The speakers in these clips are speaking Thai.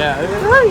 อ่ะเฮ้ย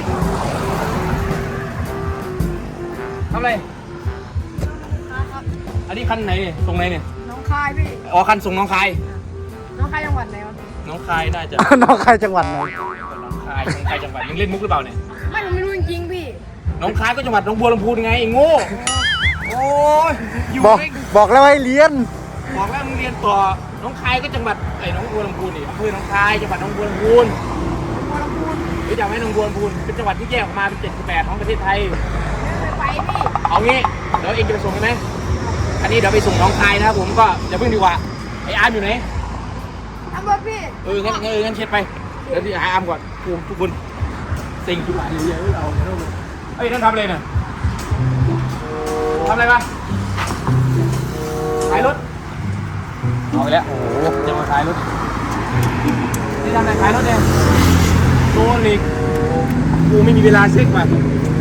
ทำอะไรครับอันนี้คันไหนเนี่ยส่งไหนเนี่ยน้องคายพี่อ๋อคันส่งน้องคายน้องคายจังหวัดไหนวะพี่น้องคายน่าจะน้องใครจังหวัดไหนน้องคายจังหวัดมึงเล่นมุกหรือเปล่าเนี่ยผมไม่รู้จริงๆพี่น้องคายก็จังหวัดหนองบัวลำพูไงไอ้โง่โอ้ยอยู่บอกไม่บอกแล้วให้เรียนบอกแล้วมึงเรียนต่อน้องคายก็จังหวัดไอ้หนองบัวลำพูนี่อำเภอหนองคายจังหวัดหนองบัวลำพูรู้จักไหมหนองบัวลำพูเป็นจังหวัดที่แยกออกมาเป็น78ของประเทศไทยไปพี่เอางี้เดี๋ยวเองจะไปส่งใช่ไหมอันนี้เดี๋ยวไปส่งน้องคายนะครับผมก็อย่าเพิ่งดีกว่าไอ้อาร์มอยู่ไหนทำรถพี่งั้นเช็ดไปเดี๋ยวที่หาอาร์มก่อนทุกคนสิ่งทุกอย่างเยอะๆเราเฮ้ยนั่นทำอะไรน่ะทำอะไรวะขายรถเอาไปแล้วโอ้โหจะมาขายรถนี่ทำอะไรขายรถเนี่ยโซลิกกูไม่มีเวลาเช็คมา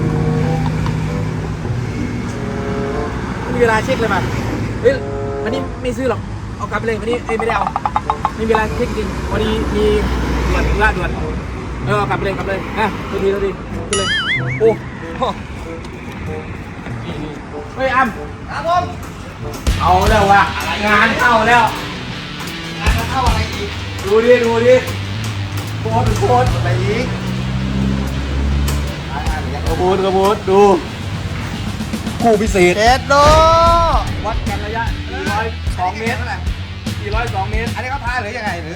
ไม่มีเวลาเช็คเลยมาเฮ้ยวันนี้ไม่ซื้อหรอกเอากลับไปเลยวันนี้ไม่ได้เอาไม่มีเวลาเช็คจริงวันนี้มีด่วนล่าด่วนเอากลับไปเลยนะตัวดีขึ้นเลยโอ้เฮ้ยอ้ำครับผมเอาแล้วว่ะงานเข้าแล้วงานเข้าอะไรอีกดูดิโคตรอะไรอีกกระโบดดูคู่พิเศษเอ็ดโดวัดกันระยะ402 เมตรเท่าไหร่402 เมตรอันนี้เขาท้ายหรือยังไงหรือ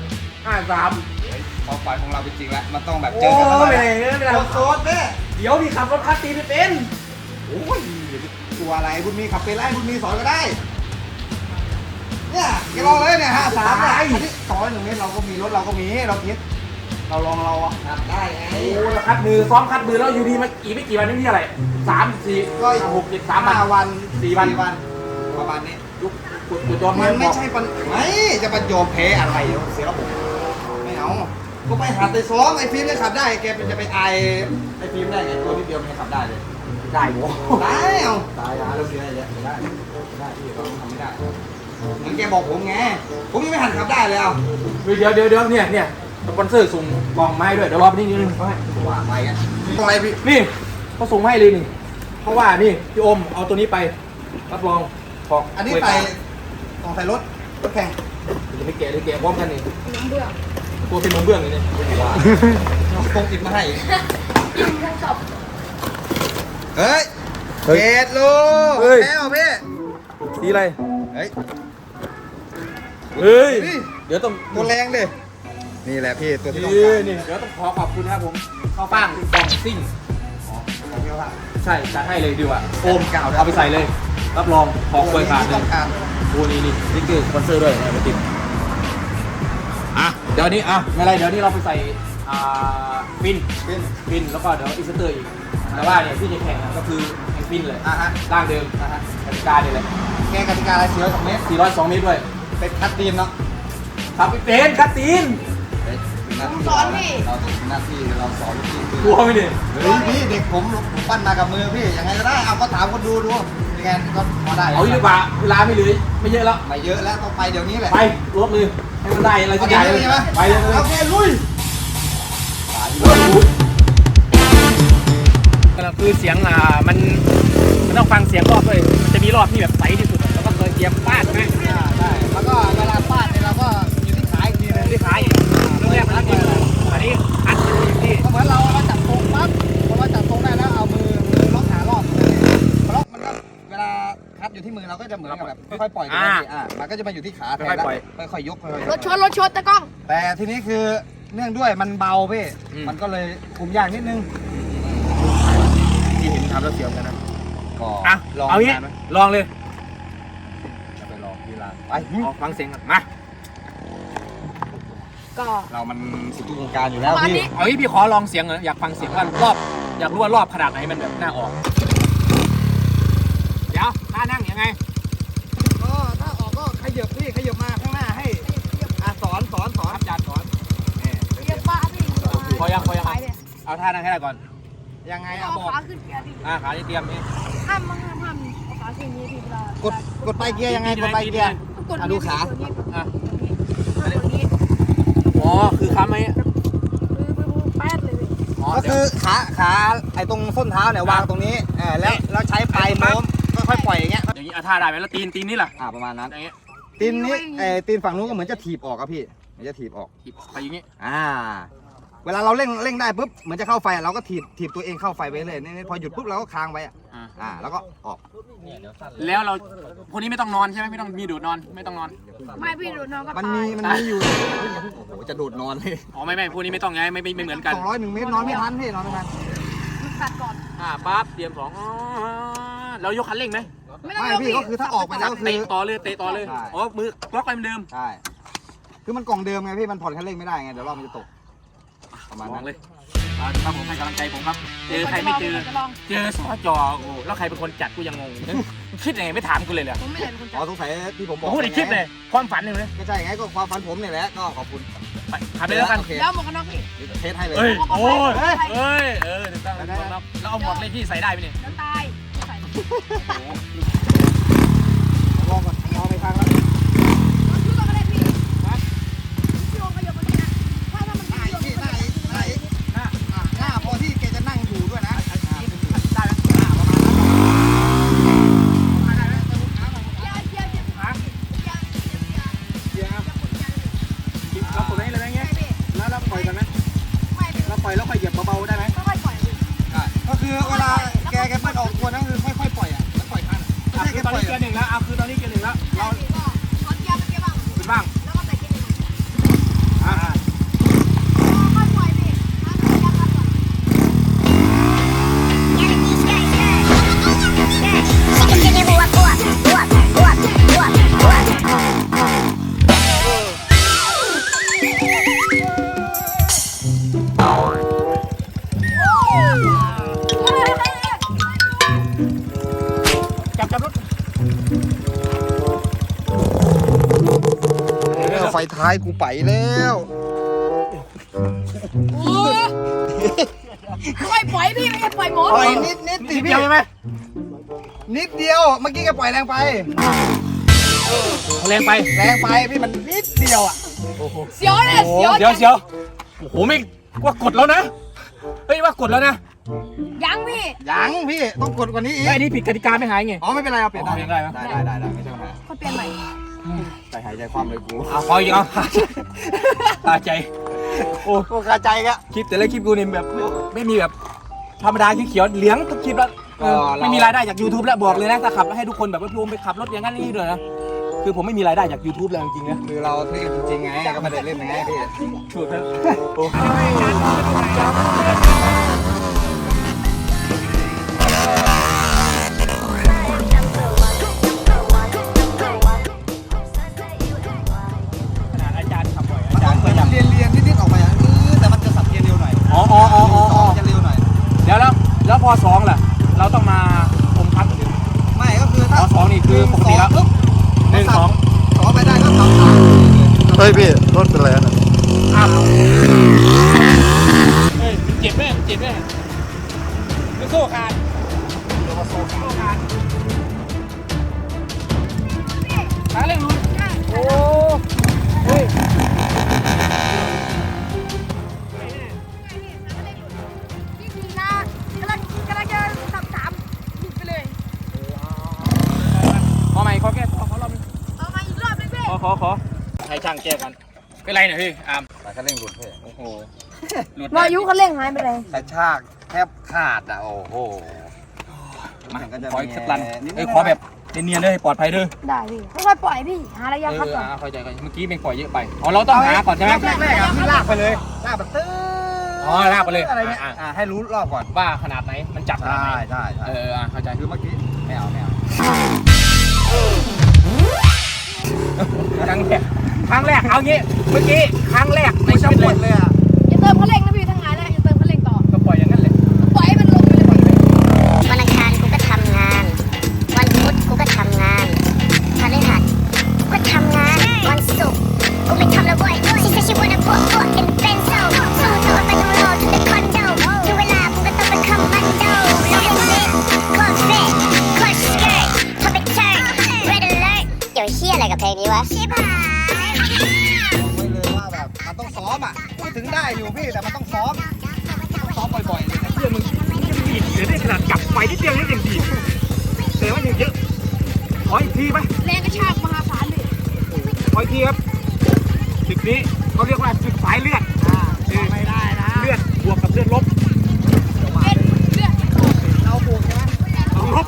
53 ความฝันของเราเป็นจริงแล้วมันต้องแบบเจโอ้อกันแล้วไม่นะได้โซดแม่เดี๋ยวพี่ขับรถคัสตีไม่เป็นโอ้ยตัวอะไรบุญมีขับเป็นไรบุญมีสอนก็ได้เนี่ยแกลองเลยเนี่ย53เนี่ยอันนี้201 เมตรเราก็มีรถเราก็มีเราคิดเราลองเราอ่ะขับได้ไงโอ้คัดมือซ้อมคัดมือแล้วอยู่ดีมาอีกไม่กี่วันนี่ที่อะไร3 4 ก็ 6 7 3 5 วัน 4 วันประมาณนี้กูจอมมันไม่ใช่ปัญไม่จะประโยชน์แพ้อะไรเสียระบบไม่เอาก็ไปหัดไปซ้อมไอ้ฟิล์มเนี่ยขับได้แกจะไปไอ้ฟิล์มได้ไงตัวนิดเดียวมันขับได้เลยได้โว้ได้เอาตายแล้วเราเสียอะไรเนี่ยได้พี่เราทำไม่ได้เหมือนแกบอกผมไงผมยังไม่หันขับได้เลยเอาเดี๋ยวเนี่ยสปอนเซอร์ส่งกล่องมาให้ด้วยเดี๋ยวรอไปนิดนึงเขาให้ว่าไปกันอะไรพี่นี่เขาส่งมาให้เลยนี่เพราะว่านี่พี่โอมเอาตัวนี้ไปรับรองของอันนี้ไปต้องใส่รถแข่งจะไม่แกะเลยแกะพร้อมกันนี่น้องเบื่อตัวเป็นนมเบื้องเลยเนี่ยว่าคงติดมาให้กินทั้งจบเฮ้ยเกตลูกแล้วพี่สีอะไรเฮ้ยเฮ้ยเดี๋ยวต้องตัวแรงดินี่แหละพี่ตัวที่ต้องนี่การนี่เดี๋ยวต้องขอขอบคุณนะครับผมข้าวฟ่างกล่องซิ่งของเดียวค่ะใช่จัดให้เลยดีกว่าโอมเอาไปใส่เลย รับรองของเคยขาดเลต้อย งการโอ้นี่นี่คือสปอนเซอร์ด้วยนะมาติดเดี๋ยวนี้ไม่เป็นไรเดี๋ยวนี้เราไปใส่ฟินเป็นฟินแล้วก็เดี๋ยวอินสเตอร์อีกแต่ว่าเนี่ยที่จะแข่งก็คือแข่งฟินเลยฮะร่างเดิมกติกาเนี่ยเลยแกกติกาอะไร402 เมตร 402 เมตรด้วยเป็นคัดตีนเนาะครับพี่เป็นคัตตีนเราต้องหน้าที่เราสอนพี่กลัวไหมเนี่ยเฮ้ยพี่เด็กผมปั้นมากับมือพี่ยังไงก็ได้เอาก็ถามคนดูยังไงก็พอได้เอาดีกว่าเวลาไม่เหลือไม่เยอะแล้วไม่เยอะแล้วต้องไปเดี๋ยวนี้แหละไปรถเลยให้มันได้อะไรสักอย่างเลยไปเลยโอเคลุยคือเสียงมันต้องฟังเสียงรอบด้วยมันจะมีรอบที่แบบใสที่สุดแล้วก็เคยเกียร์ฟาดใช่ไหมได้แล้วก็เวลาฟาดเนี่ยเราก็อยู่ที่ขาอีกทีนึงที่ขายเรื่องแรกมันต้องอันนี้อัดอยู่ที่ก็เหมือนเราจับตรงปั๊บพอเราจับตรงได้แล้วเอามือล็อกหารอบล็อกมันก็เวลาคัดอยู่ที่มือเราก็จะเหมือนกับแบบค่อยๆปล่อยกันมันก็จะมาอยู่ที่ขาแทนแล้วค่อยๆยกค่อยๆรถชนตะกล้องแต่ทีนี้คือเนื่องด้วยมันเบาพี่มันก็เลยคุมยากนิดนึงที่เห็นทำแล้วเสียวกันนะก็ลองเอางี้ลองเลยจะไปลองที่ร้านไปฟังเสียงกันมาก็เรามันสุดทุกวงการอยู่แล้วพี่เอางี้พี่ขอลองเสียงหน่อยอยากฟังเสียงว่ารอบอยากรู้ว่ารอบขนาดไหนมันแบบน่าออกเดี๋ยวท่านั่งยังไงก็ถ้าออกก็ขยับพี่ขยับมาข้างหน้าให้สอนอาจารย์สอนเรียกป้าพี่พอยังเอาท่านั่งให้ได้ก่อนยังไงเอาบอกขาขึ้นเกียร์พี่ขาที่เตรียมนี่ห้ามเอาขาขึ้นนี้พี่เวลากดไปเกียร์ยังไงกดไปเกียร์กดดูขาอ่ะกดนี้อ๋อคือค้ำไหมแป๊ดเลยพี่อ๋อก็คือขาไอ้ตรงส้นเท้าเนี่ยวางตรงนี้แล้วใช้ปลายโน้มค่อยๆปล่อยอย่างเงี้ยอย่างนี้ท่าได้ไหมแล้วตีนนี่ล่ะประมาณนั้นอย่างเงี้ยตีนนี้ตีนฝั่งนู้นก็เหมือนจะถีบออกครับพี่เหมือนจะถีบออกถีบไปอย่างงี้เวลาเราเร่งได้ปุ๊บเหมือนจะเข้าไฟเราก็ถีบตัวเองเข้าไฟไปเลยนี่พอหยุดปุ๊บเราก็ค้างไว้แล้วก็ออกแล้วเราพวกนี้ไม่ต้องนอนใช่ไหมไม่ต้องมีดูดนอนไม่ต้องนอนไม่พี่ดูน้องก็มันตายมีอยู่โอ้โหจะโดดนอนเลยอ๋อไม่พวกนี้ไม่ต้องไงไม่เหมือนกัน 201 เมตรนอนไม่ทันพี่นอนไม่ทันตัดก่อนปั๊บเตรียม2เรายกคันเร่งไหมไม่พี่ก็คือถ้าออกไปแล้วก็คือเตะต่อเลยใช่อ๋อมือล็อกไปเหมือนเดิมใช่คือมันกล่องเดิมไงพี่มันผ่อนคันเร่งไม่ได้ไงเดี๋ยวรอบมันจะตกประมาณมอนั้งนเลยครับผมให้กำลังใจผมครับเจอใครไม่เจอจะลองเจอสจโอ้แล้วใครเป็นคนจัดกูยังงงคิดยังไงไม่ถามกูเลยเหรอผมไม่เห็นคนอ๋จัอบ สงสัยที่ผมบอกพูดในคลิปเลยความฝันเลยก็ใช่ไงก็ความฝันผมเนี่ยแหละก็ขอบคุณทำไปแล้วกันโอเคแล้วหมวกกันน็อกพี่เทสให้เลยเฮ้ยเอาโอ้ยไปเฮ้ยถูกต้องแล้วเอาหมวกเลยพี่ใส่ได้ไหมเนี่ยแล้วตายใส่ลองก่อนลองไปทางแล้วรถชื่อก็ได้พี่พี่ลงขยับมาทีนะถ้ามันหน้าอีกพี่หน้าอีกหน้าอีกหน้าพอที่แกจะนั่งอยู่ด้วยนะได้ไหมประมาณนั้นเกียร์เรากดได้เลยไหมเงี้ยแล้วปล่อยกันไหมไม่พี่เราปล่อยแล้วค่อยเหยียบเบาๆได้ไหมค่อยปล่อยพี่ก็คือเวลาแกเปิ้ลออกตัวนั่นคือค่อยๆปล่อยอ่ะแล้วปล่อยทันไม่ใช่คืแกอตอนปล่อยนี้เกียร์หนึ่งแล้วคือตอนนี้เกียร์หนึ่งแล้วเราพี่ก็ถอนเกียร์เป็นเกียร์บ้างเป็นบ้างแล้วก็ใส่เกียร์หนึ่งค่อยปล่อยพี่ถอนเกียร์ครับก่อนจับรถไฟท้ายกูไปแล้วค่อยปล่อยพี่ไม่ใช่ปล่อยหมดปล่อยนิดสินิดพี่เดียวใช่ไหมนิดเดียวเมื่อกี้แกปล่อยแรงไปแรงไปแรงไปพี่มันนิดเดียวอ่ะเสียวเนี่ยเสียวเดี๋ยวโอ้โหไม่ว่ากดแล้วนะเฮ้ยว่ากดแล้วนะยังพี่ยังพี่ต้องกดกว่านี้อีกไอ้นี่ผิดกติกาไม่หายไงอ๋อไม่เป็นไรเอาเปลี่ยนอ๋อเปลี่ยนได้ไหมได้ไม่ใช่ปัญหาค่อยเปลี่ยนใหม่ใจหายใจความเลยกูเอาพออีกเอาตาใจโอ้กูคาใจกะคลิปแต่ละคลิปกูเนี่ยแบบไม่มีแบบธรรมดาเขียวๆเหลืองทุกคลิปแล้วไม่มีรายได้จาก YouTube แล้วบอกเลยนะถ้าขับให้ทุกคนแบบว่าพี่โอมไปขับรถอย่างนั้นนี่ด้วยนะคือผมไม่มีรายได้จาก YouTube แล้วจริงๆนะคือเราเท่จริงๆไงก็ไม่ได้เล่นไงพี่ถูกครับ ขนาดอาจารย์ขับบ่อยอาจารย์ก็ยังเรียนนิดๆออกมาอย่างนี้แต่มันจะสับเกียร์เร็วหน่อยอ๋อจะเร็วหน่อยเดี๋ยวแล้วพอสองล่ะเราต้องมาอมคัดไม่ก็คือถ้าสองนี่คือปกติแล้วปุ๊บหนึ่งสองสองไปได้ก็ทำตามเฮ้ยพี่รถเป็นไรนะอ้าวเฮ้ยมันเจ็บไหมมันเจ็บไหมมันโซ่ขาดโซ่ขาดขาเร่งลุ้นโอ้เฮ้ยพี่ดีนะกำลังจะสับสามหยุดไปเลยขอใหม่ขอแก้ขอรอบนึงเอามาอีกรอบนึงพี่ขอให้ช่างแก้กันเป็นไรเนี่ยพี่อาร์มแต่คันเร่งหลุดเพ่โอ้โหหลุดวายุคันเร่งหายไปเลยกระชากแทบขาดอ่ะโอ้โหมาขออีกสักลันเอ้ยขอแบบเนียนๆเลยปลอดภัยด้วยได้พี่ค่อยๆปล่อยพี่หาระยะคัดก่อนเข้าใจกันเมื่อกี้เป็นปล่อยเยอะไปอ๋อเราต้องหาก่อนใช่ไหมแรกๆอ่ะพี่ลากไปเลยลากแบบตื้ออ๋อลากไปเลยอะไรเงี้ยให้รู้รอบก่อนว่าขนาดไหนมันจับขนาดไหนใช่เข้าใจคือเมื่อกี้ไม่เอาครั้งแรกเอางี้เมื่อกี้ครั้งแรกในชีวิตหมดเลยอ่ะอย่าเติมคันเร่งนะพี่ทั้งหลายแล้วอย่าเติมคันเร่งต่อก็ปล่อยอย่างนั้นเลยปล่อยให้มันลงไปเลยพี่วันอังคารกูก็ทำงาน วันพุธกูก็ทำงานพฤหัสกูก็ทำงาน วันศุกร์กูไม่ทำแล้วเว้ย She said she wanna put in Benzo สู้ตัวไปดูโลto the condo ถึงเวลากูก็ต้องไปคอมมานโดโลกเล็กคอร์สเฟสคอร์สสเกิร์ตพอไปเทิร์น red alert เดี๋ยวเฮียอะไรกับเพลงนี้วะชิบหายไว้เลยว่าแบบมันต้องซ้อมอ่ะพูดถึงได้อยู่พี่แต่มันต้องซ้อมซ้อมบ่อยๆเลยนะเพื่อนมึงดีดเดี๋ยวได้ขนาดจับไฟนิดเดียวนี่ยังดีดแต่ว่ายังเยอะขออีกทีไหมแรงกระชากมหาศาลเลยขออีกทีครับศึกนี้เขาเรียกว่าศึกสายเลือดไม่ได้นะเลือดบวกกับเลือดลบเป็นเลือดเราบวกใช่ไหมต้องลบ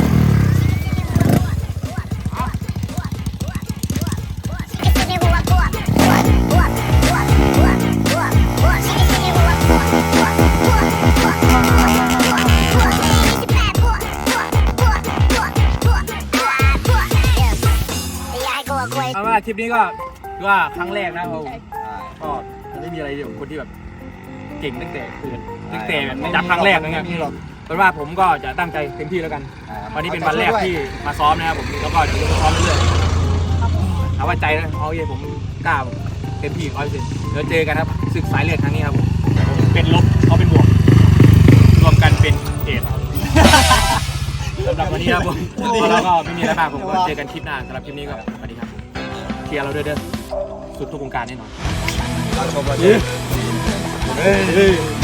เอาว่าคลิปนี้ก็คือว่าครั้งแรกนะเราก็ไม่มีอะไรเดียวคนที่แบบเก่งตั้งแต่เกิดตั้งแต่แบบจับครั้งแรกนะครับเพราะว่าผมก็จะตั้งใจเต็มที่แล้วกัน วันนี้เป็นวันแรกที่มาซ้อมนะครับผมแล้วก็เดี๋ยวจะซ้อมเรื่อยๆเอาว่าใจนะเอาเย่ผมกล้าเต็มที่100%เดี๋ยวเจอกันครับศึกสายเลือดครั้งนี้ครับผมเป็นลบเขาเป็นบวกรวมกันเป็นเอทสำหรับวันนี้ครับผมเราก็ไม่มีอะไรมากผมก็เจอกันคลิปหน้าสำหรับคลิปนี้ก็สวัสดีครับเชียร์เราด้วยเด้อสุดทุกวงการแน่นอนเราชมเราเฮ้ย